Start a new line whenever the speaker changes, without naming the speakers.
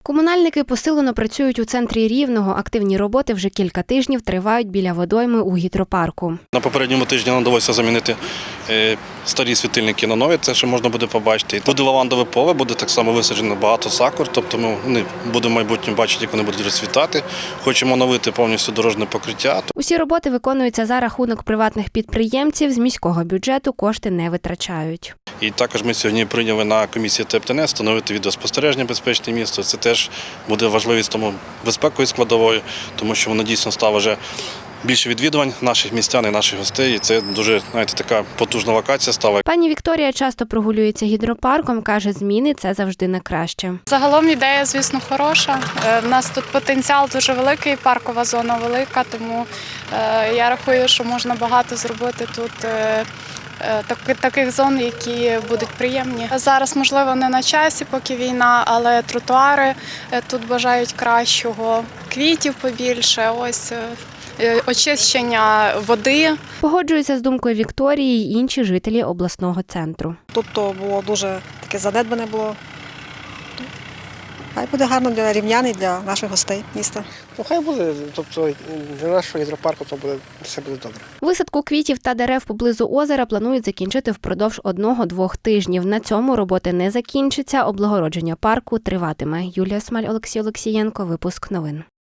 Комунальники посилено працюють у центрі Рівного. Активні роботи вже кілька тижнів тривають біля водойми у гідропарку.
На попередньому тижні нам довелося замінити старі світильники на нові, це ще можна буде побачити. Буде лавандове поле, буде так само висаджено багато сакур, тобто ми будемо в майбутньому бачити, як вони будуть розцвітати. Хочемо оновити повністю дорожнє покриття.
Усі роботи виконуються за рахунок приватних підприємців, з міського бюджету кошти не витрачають.
І також ми сьогодні прийняли на комісії ТЕП-ТНС встановити відеоспостереження «Безпечне місто». Це теж буде важливість тому безпековою складовою, тому що воно дійсно стало вже більше відвідувань наших містян і наших гостей. І це дуже, така потужна локація стала.
Пані Вікторія часто прогулюється гідропарком, каже, зміни – це завжди на краще.
Загалом ідея, звісно, хороша. У нас тут потенціал дуже великий, паркова зона велика, тому я рахую, що можна багато зробити тут таких зон, які будуть приємні. Зараз, можливо, не на часі, поки війна, але тротуари тут бажають кращого, квітів побільше, очищення води.
Погоджуються з думкою Вікторії й інші жителі обласного центру.
Тут то було дуже таке занедбане було. Хай буде гарно для рівнян і для наших гостей міста.
Хай буде, тобто для нашого гідропарку то все буде добре.
Висадку квітів та дерев поблизу озера планують закінчити впродовж 1-2 тижнів. На цьому роботи не закінчаться, облагородження парку триватиме. Юлія Смаль, Олексій Олексієнко, випуск новин.